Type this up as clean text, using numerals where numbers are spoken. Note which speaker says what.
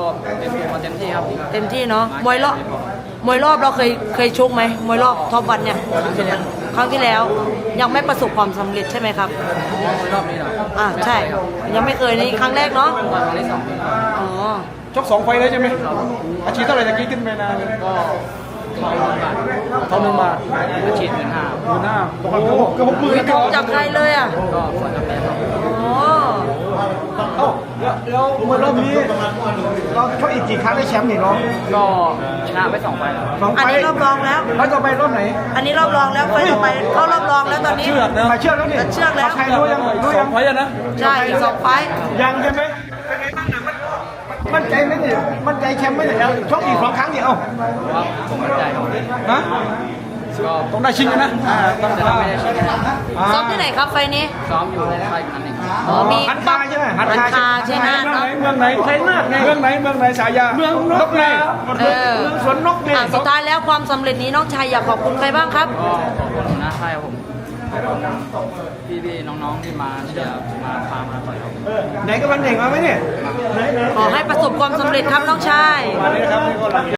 Speaker 1: เป็นมาเต็มที่ครับ
Speaker 2: เต็มที่เนาะมวยรอบเราเคยชกไหมมวยรอบท็อปวันเนี่ยครั้งที่แล้วยังไม่ประสบความสำเร็จใช่ไหมครับ
Speaker 1: รอบนี้เหรอ
Speaker 2: ใช่ยังไม่เคยนี่ครั้งแรกเนาะ
Speaker 1: ครั้งที่สอง
Speaker 2: อ๋อ
Speaker 3: ชก2 ไฟล์เลยใช่ไหมอาชีพเท่าไหร่ตะกี้ขึ้นไปนาน
Speaker 1: ก็ทอง1 บาทอาชีพ15,000
Speaker 3: ดูหน้าตกกันเกือบ60,000
Speaker 2: มีทองจากใครเลยอ่ะ
Speaker 1: ก็ฝากกับแม่ครับ
Speaker 2: อ๋อ
Speaker 3: เอ้าแล้วมวยรอบนี้เราชกอีกกี่ครั้งได้แชมป์นี่น้อง
Speaker 1: ก็ชนะไป2 ไฟล์
Speaker 3: 2
Speaker 2: อัน
Speaker 3: ไฟ
Speaker 2: นี้
Speaker 3: ล์
Speaker 2: รอบรองแล้ว
Speaker 3: แล้วต่อไปรอบไหน
Speaker 2: อันนี้รอบรองแล้วไฟต่อไปเข้ารอบรองแล้วตอนนี้
Speaker 3: เชือกนะเชือกแล้วนี่
Speaker 2: เชือกแล้ว
Speaker 3: ใครรู้ยังไฟล์นะ
Speaker 2: ใช่อีก2 ไฟต์
Speaker 3: ยังใช่ไหมเป็นไงบ้างเนี่ยมั่นใจไหมเนี่ยมั่นใจแชมป์ไหมเนี่ยชกอีก2 ครั้งเนี่ยเอ้า
Speaker 1: ครับผมมั่นใจครับ
Speaker 3: ฮะ
Speaker 1: ก็
Speaker 3: ต้องได้ชิงกันนะต้อง
Speaker 1: แต่ถ้าไม่ได้ชิงก็
Speaker 2: ซ้อมที่ไหนครับไฟล์นี้
Speaker 1: ซ้อมอยู่ในค่ายนั้นเอง
Speaker 2: อ๋อมี
Speaker 3: หันคาใช่ไหม
Speaker 2: หันคาใช่ไหม
Speaker 3: เมืองไหนชัยนาทไงเมืองไหนสายาเมืองนกไงเมืองสวนนกไง
Speaker 2: สุดท้ายแล้วความสำเร็จนี้น้องชายอยากขอบคุณใครบ้างครับ
Speaker 1: ก็ขอบคุณหัวหน้าค่ายครับผมขอบคุณพี่ๆน้องๆที่มาเชียร์มาพามาต่อยครับ
Speaker 3: ไหนก็วันเด็กมาไหมเนี่ย
Speaker 2: ขอให้ประสบความสำเร็จครับน้องชาย
Speaker 3: มาเลยนะครับ